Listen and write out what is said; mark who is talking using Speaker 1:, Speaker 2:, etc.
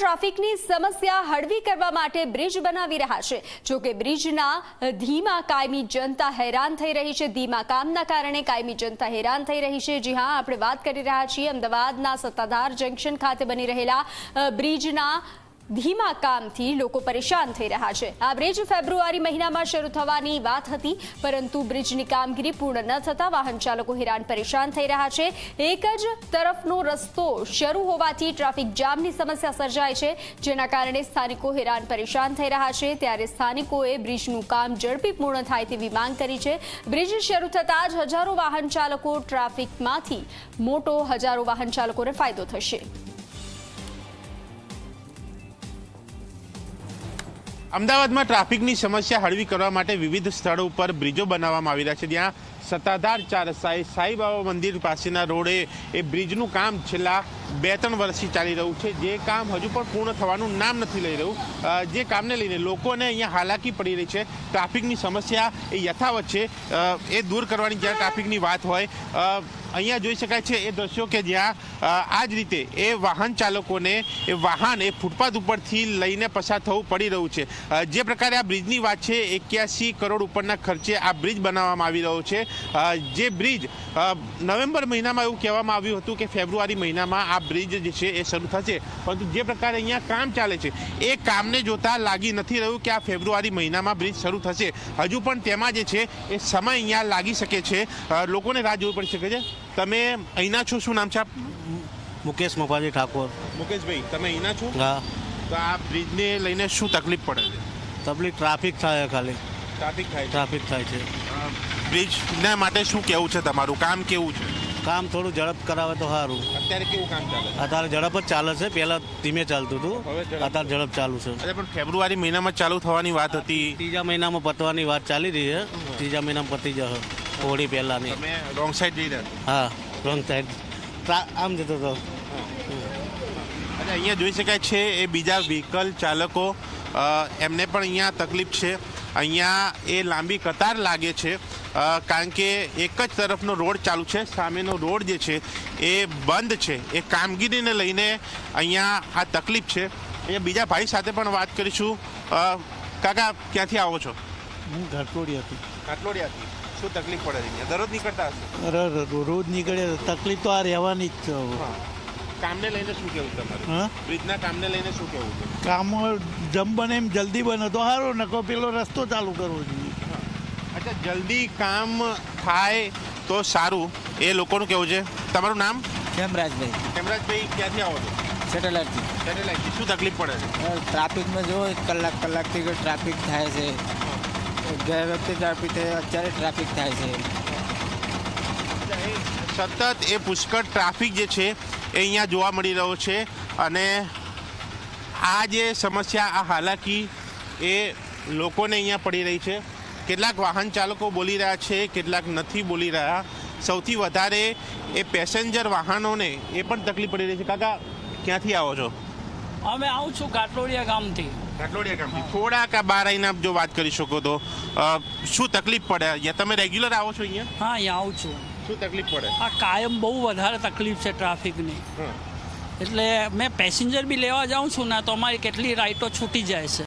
Speaker 1: ટ્રાફિકની સમસ્યા હળવી કરવા માટે બ્રિજ બનાવી રહ્યા છે। જો કે બ્રિજના ધીમા કાયમી જનતા હેરાન થઈ રહી છે। ધીમા કામના કારણે કાયમી જનતા હેરાન થઈ રહી છે। જી હા, આપણે વાત કરી રહ્યા છીએ અમદાવાદના સત્તાધાર જંકશન ખાતે બની રહેલા બ્રિજના ધીમા કામથી લોકો પરેશાન થઈ રહ્યા છે। આ બ્રિજ ફેબ્રુઆરી મહિનામાં શરૂ થવાની વાત હતી, પરંતુ બ્રિજની કામગીરી પૂર્ણ ન થતા વાહન ચાલકો હેરાન પરેશાન થઈ રહ્યા છે। એક જ તરફનો રસ્તો શરૂ હોવાથી ટ્રાફિક જામની સમસ્યા સર્જાય છે, જેના કારણે સ્થાનિકો હેરાન પરેશાન થઈ રહ્યા છે। ત્યારે સ્થાનિકોએ બ્રિજનું કામ ઝડપી પૂર્ણ થાય તેવી માંગ કરી છે। બ્રિજ શરૂ થતાં જ હજારો વાહન ચાલકો ટ્રાફિકમાંથી મોટો હજારો વાહન ચાલકોને ફાયદો થશે।
Speaker 2: અમદાવાદમાં ટ્રાફિકની સમસ્યા હળવી કરવા માટે વિવિધ સ્થળો ઉપર બ્રિજો બનાવવામાં આવી રહ્યા છે। જ્યાં સત્તાધાર ચાર સાંઈબાબા મંદિર પાસેના રોડે એ બ્રિજનું કામ છેલ્લા 2-3 વર્ષથી ચાલી રહ્યું છે, જે કામ હજુ પણ પૂર્ણ થવાનું નામ નથી લઈ રહ્યું। જે કામને લઈને લોકોને અહીંયા હાલાકી પડી રહી છે। ટ્રાફિકની સમસ્યા એ યથાવત છે, એ દૂર કરવાની જ્યારે ટ્રાફિકની વાત હોય અહીંયા જોઈ શકાય છે એ દ્રશ્યો કે જ્યાં આ જ રીતે એ વાહન ચાલકોને એ વાહન એ ફૂટપાથ ઉપરથી લઈને પસાર થવું પડી રહ્યું છે। જે પ્રકારે આ બ્રિજની વાત છે 81 કરોડ ઉપરના ખર્ચે આ બ્રિજ બનાવવામાં આવી રહ્યો છે। જે બ્રિજ નવેમ્બર મહિનામાં એવું કહેવામાં આવ્યું હતું કે ફેબ્રુઆરી મહિનામાં આ બ્રિજ જે છે એ શરૂ થશે, પરંતુ જે પ્રકારે અહીંયા કામ ચાલે છે એ કામને જોતા લાગી નથી રહ્યું કે આ ફેબ્રુઆરી મહિનામાં બ્રિજ શરૂ થશે। હજુ પણ તેમાં જે છે એ સમય અહીંયા લાગી શકે છે, લોકોને રાહ જોવી પડી શકે છે। તમે અહીંના છો, શું નામ છે આપ?
Speaker 3: મુકેશ મફાજી ઠાકોર।
Speaker 2: મુકેશભાઈ, તમે અહીંના છો?
Speaker 3: હા।
Speaker 2: તો આ બ્રિજને લઈને શું તકલીફ પડે છે?
Speaker 3: તકલીફ ટ્રાફિક થાય, ખાલી
Speaker 2: ટ્રાફિક થાય
Speaker 3: છે।
Speaker 2: બ્રિજના માટે શું કેવું છે તમારું? કામ કેવું છે?
Speaker 3: કામ થોડું ઝડપ કરાવે તો સારું।
Speaker 2: અત્યારે કેવું કામ ચાલે છે?
Speaker 3: અત્યારે ઝડપ જ ચાલે છે, પહેલા ધીમે ચાલતું હતું, અત્યારે ઝડપ ચાલુ છે।
Speaker 2: અરે પણ ફેબ્રુઆરી મહિનામાં ચાલુ થવાની વાત હતી,
Speaker 3: ત્રીજા મહિનામાં પતવાની વાત ચાલી રહી છે। ત્રીજા મહિનામાં પતી જશે, હોળી પહેલાની।
Speaker 2: તમે રોંગ સાઈડ જઈ રહ્યા?
Speaker 3: હા, રોંગ સાઈડ આમ જતો હતો।
Speaker 2: અહીંયા જોઈ શકાય છે એ બીજા વ્હીકલ ચાલકો એમને પણ અહીંયા તકલીફ છે। અહીંયા એ લાંબી કતાર લાગે છે, કારણ કે એક જ તરફનો રોડ ચાલુ છે, સામેનો રોડ જે છે એ બંધ છે। એ કામગીરીને લઈને અહીંયા આ તકલીફ છે। એ બીજા ભાઈ સાથે પણ વાત કરીશું। કાકા, ક્યાંથી આવો છો?
Speaker 4: હું ઘાટલોડિયાથી।
Speaker 2: ઘાટલોડિયાથી શું તકલીફ પડે છે અહીંયા? દરરોજ નીકળતા હશે?
Speaker 4: રોજ નીકળે, તકલીફ તો આ રહેવાની જ છે।
Speaker 2: કામને લઈને શું કેવું તમારું? બ્રિજના કામને લઈને શું કેવું છે?
Speaker 4: કામ જમ બને એમ જલ્દી બને તો સારું, નકો પેલો રસ્તો ચાલુ કરવો જોઈએ।
Speaker 2: અચ્છા, જલ્દી કામ થાય તો સારું, એ લોકોનું કેવું છે। તમારું નામ?
Speaker 5: હેમરાજભાઈ।
Speaker 2: હેમરાજભાઈ, ક્યાંથી આવો છો?
Speaker 5: સેટેલાઇટથી।
Speaker 2: સેટેલાઇટથી શું તકલીફ પડે છે?
Speaker 5: ટ્રાફિકમાં જો કલાકથી ટ્રાફિક થાય છે। ગયા વખતે ટ્રાફિક થાય, અત્યારે ટ્રાફિક થાય છે।
Speaker 2: સતત એ પુષ્કળ ટ્રાફિક જે છે એ અહીંયા જોવા મળી રહ્યો છે, અને આ જે સમસ્યા, આ હાલાકી એ લોકોને અહીંયા પડી રહી છે। કેટલાક વાહન ચાલકો બોલી રહ્યા છે, કેટલાક નથી બોલી રહ્યા। સૌથી વધારે એ પેસેન્જર વાહનોને એ પણ તકલીફ પડી રહી છે। કાકા, ક્યાંથી આવો છો?
Speaker 6: અમે આવું છું ઘાટલોડિયા ગામથી।
Speaker 2: ઘાટલોડિયા ગામથી થોડાક બહાર આવીને આપ જો વાત કરી શકો તો શું તકલીફ પડે અહીંયા? તમે રેગ્યુલર આવો છો અહીંયા?
Speaker 6: હા, અહીંયા આવું છું।
Speaker 2: શું તકલીફ પડે?
Speaker 6: આ કાયમ બહુ વધારે તકલીફ છે ટ્રાફિકની, એટલે મેં પેસેન્જર બી લેવા જાઉં છું ને તો અમારી કેટલી રાઈટો છૂટી જાય છે।